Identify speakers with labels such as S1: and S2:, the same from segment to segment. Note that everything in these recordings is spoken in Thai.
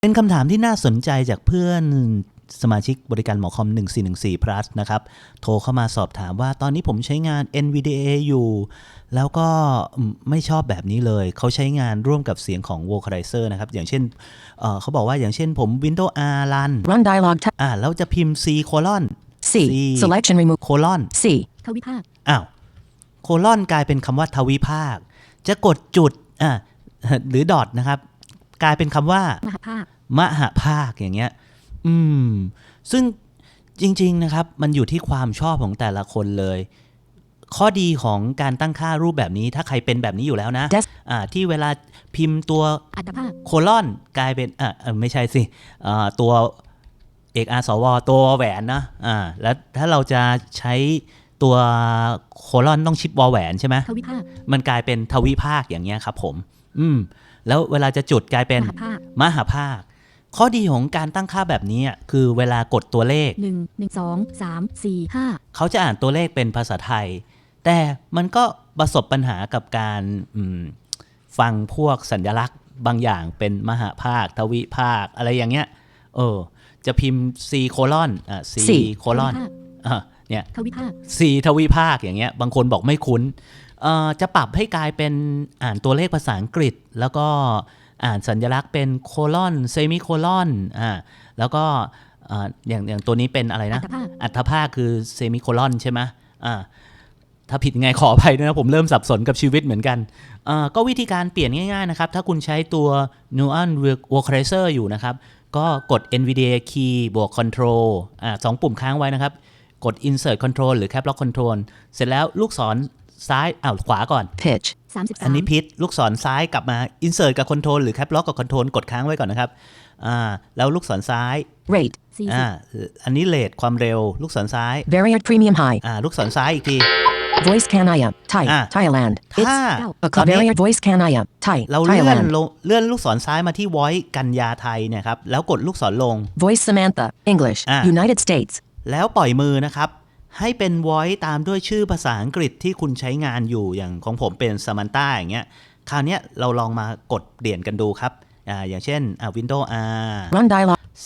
S1: เป็นคำถามที่น่าสนใจจากเพื่อนสมาชิกบริการหมอคอม1414 plus นะครับโทรเข้ามาสอบถามว่าตอนนี้ผมใช้งาน NVDA อยู่แล้วก็ไม่ชอบแบบนี้เลยเขาใช้งานร่วมกับเสียงของ Vocalizer นะครับอย่างเช่นเขาบอกว่าอย่างเช่นผม Windows R
S2: Run dialog
S1: แล้วจะพิมพ์ C colon
S2: C selection remove
S1: colon
S2: C
S3: ทวิภาค
S1: โคลอนกลายเป็นคำว่าทวิภาคจะกดจุดหรือดอทนะครับกลายเป็นคำว่ามหภาคอย่างเงี้ยซึ่งจริงๆนะครับมันอยู่ที่ความชอบของแต่ละคนเลยข้อดีของการตั้งค่ารูปแบบนี้ถ้าใครเป็นแบบนี้อยู่แล้วนะที่เวลาพิมพ์ตัวโคลอนกลายเป็นไม่ใช่สิตัวเอกอาร์สวตัวแหวนนะแล้วถ้าเราจะใช้ตัวโคลอนต้องชิปวอแหวนใช่ไหมมันกลายเป็นทวิภาคอย่างเงี้ยครับผมแล้วเวลาจะจุดกลายเป็นมหภาคข้อดีของการตั้งค่าแบบนี้คือเวลากดตัวเลข
S3: 1 1 2 3 4 5
S1: เขาจะอ่านตัวเลขเป็นภาษาไทยแต่มันก็ประสบปัญหากับการฟังพวกสัญลักษณ์บางอย่างเป็นมหภาคทวิภาคอะไรอย่างเงี้ยจะพิมพ์ C โคลอนC โคลอนเนี่ย
S3: ทวิภาค
S1: C ทวิภาคอย่างเงี้ยบางคนบอกไม่คุ้นจะปรับให้กลายเป็นอ่านตัวเลขภาษาอังกฤษแล้วก็อ่านสัญลักษณ์เป็นโคลอนเซมิโคลอนแล้วก็อย่างตัวนี้เป็นอะไรนะอัตภาคคือเซมิโคลอนใช่ไหมถ้าผิดไงขออภัยด้วยนะผมเริ่มสับสนกับชีวิตเหมือนกันก็วิธีการเปลี่ยนง่ายๆนะครับถ้าคุณใช้ตัว Nuance Vocalizer อยู่นะครับก็กด NVDA key บวก Control 2 ปุ่มค้างไว้นะครับกด Insert Control หรือ Cap Lock Control เสร็จแล้วลูกศรซ้ายขวาก่อน
S2: pitch
S1: อันนี้พิชลูกศรซ้ายกลับมา Insert กับ Control หรือ Cap Lock กับ Control กดค้างไว้ก่อนนะครับแล้วลูกศรซ้าย
S2: rate
S1: อันนี้เรทความเร็วลูกศรซ้าย
S2: variant premium high
S1: ลูกศรซ้ายอีกที
S2: voice canaya Thai Thailand
S1: ถ้า
S2: variant voice canaya Thai
S1: เราเลื่อนลูกศรซ้ายมาที่ voice กันยาไทยเนี่ยครับแล้วกดลูกศรลง
S2: voice Samantha English United States
S1: แล้วปล่อยมือนะครับให้เป็น voice ตามด้วยชื่อภาษาอังกฤษที่คุณใช้งานอยู่อย่างของผมเป็น Samantha อย่างเงี้ยคราวนี้เราลองมากดเปลี่ยนกันดูครับอย่างเช่นWindows R
S2: Run dialog
S1: C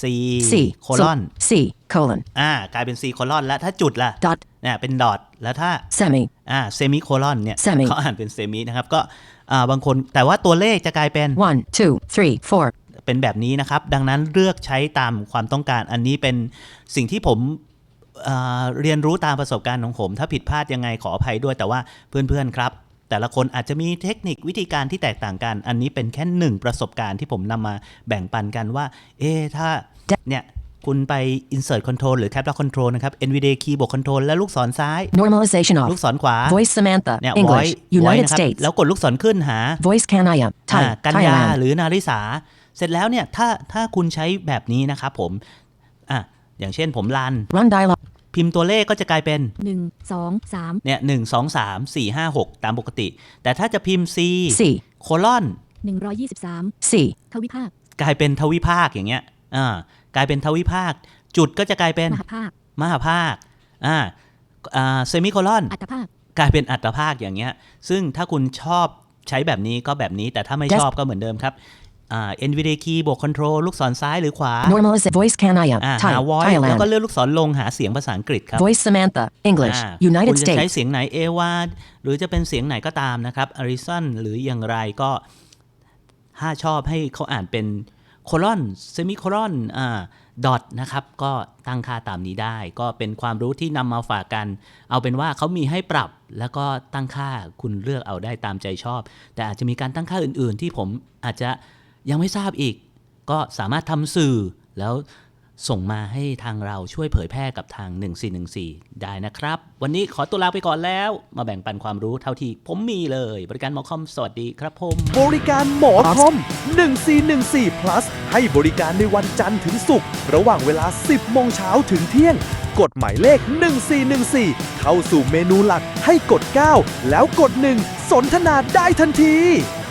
S1: colon
S2: C colon
S1: กลายเป็น C colon แล้วถ้าจุดล่ะ
S2: dot
S1: เป็น dot แล้วถ้า
S2: semi
S1: semi colon เนี่ยเขาอ่านเป็น semi นะครับก็บางคนแต่ว่าตัวเลขจะกลายเป็น
S2: 1 2 3 4
S1: เป็นแบบนี้นะครับดังนั้นเลือกใช้ตามความต้องการอันนี้เป็นสิ่งที่ผมเรียนรู้ตามประสบการณ์ของผมถ้าผิดพลาดยังไงขออภัยด้วยแต่ว่าเพื่อนๆครับแต่ละคนอาจจะมีเทคนิควิธีการที่แตกต่างกันอันนี้เป็นแค่หนึ่งประสบการณ์ที่ผมนำมาแบ่งปันกันว่าถ้าเนี่ยคุณไป insert control หรือ cap lock control นะครับ NVDA key บวก control แล้วลูกศรซ้าย
S2: normalization off
S1: ลูกศรขวา
S2: voice Samantha
S1: เนี่ย
S2: English United States
S1: แล้วกดลูกศรขึ้นหา
S2: voice canaya Thai
S1: กันยาหรือนาริสาเสร็จแล้วเนี่ยถ้าคุณใช้แบบนี้นะครับผมอย่างเช่นผมรัน
S2: Run dialog
S1: พิมพ์ตัวเลขก็จะกลายเป็น
S3: 1 2 3
S1: เนี่ย1 2 3 4 5 6ตามปกติแต่ถ้าจะพิมพ์ C โคลอน
S3: 123
S2: C
S3: ทวิภาค
S1: กลายเป็นทวิภาคอย่างเงี้ยกลายเป็นทวิภาคจุดก็จะกลายเป็นมหภาคเซมิโคลอน
S3: อัตภาค
S1: กลายเป็นอัตภาคอย่างเงี้ยซึ่งถ้าคุณชอบใช้แบบนี้ก็แบบนี้แต่ถ้าไม่ชอบก็เหมือนเดิมครับNVDA key บวก control ลูกศรซ้ายหรือขวา
S2: normalize voice canaya Thai
S1: หา voice
S2: Thailand
S1: แล้วก็เลื่อนลูกศรลงหาเสียงภาษาอังกฤษครับ
S2: voice Samantha English United
S1: คุณจะ
S2: States
S1: ใช้เสียงไหนเอวาหรือจะเป็นเสียงไหนก็ตามนะครับอาริสันหรืออย่างไรก็ถ้าชอบให้เขาอ่านเป็นโคลอนเซมิโคลอนดอทนะครับก็ตั้งค่าตามนี้ได้ก็เป็นความรู้ที่นำมาฝากกันเอาเป็นว่าเขามีให้ปรับแล้วก็ตั้งค่าคุณเลือกเอาได้ตามใจชอบแต่อาจจะมีการตั้งค่าอื่นๆที่ผมอาจจะยังไม่ทราบอีกก็สามารถทำสื่อแล้วส่งมาให้ทางเราช่วยเผยแพร่กับทาง1414ได้นะครับวันนี้ขอตัวลาไปก่อนแล้วมาแบ่งปันความรู้เท่าที่ผมมีเลยบริการหมอคอมสวัสดีครับผม
S4: บริการหมอคอม1414 plus ให้บริการในวันจันทร์ถึงศุกร์ระหว่างเวลา 10 โมงเช้าถึงเที่ยงกดหมายเลข1414เข้าสู่เมนูหลักให้กด9แล้วกด1สนทนาได้ทันที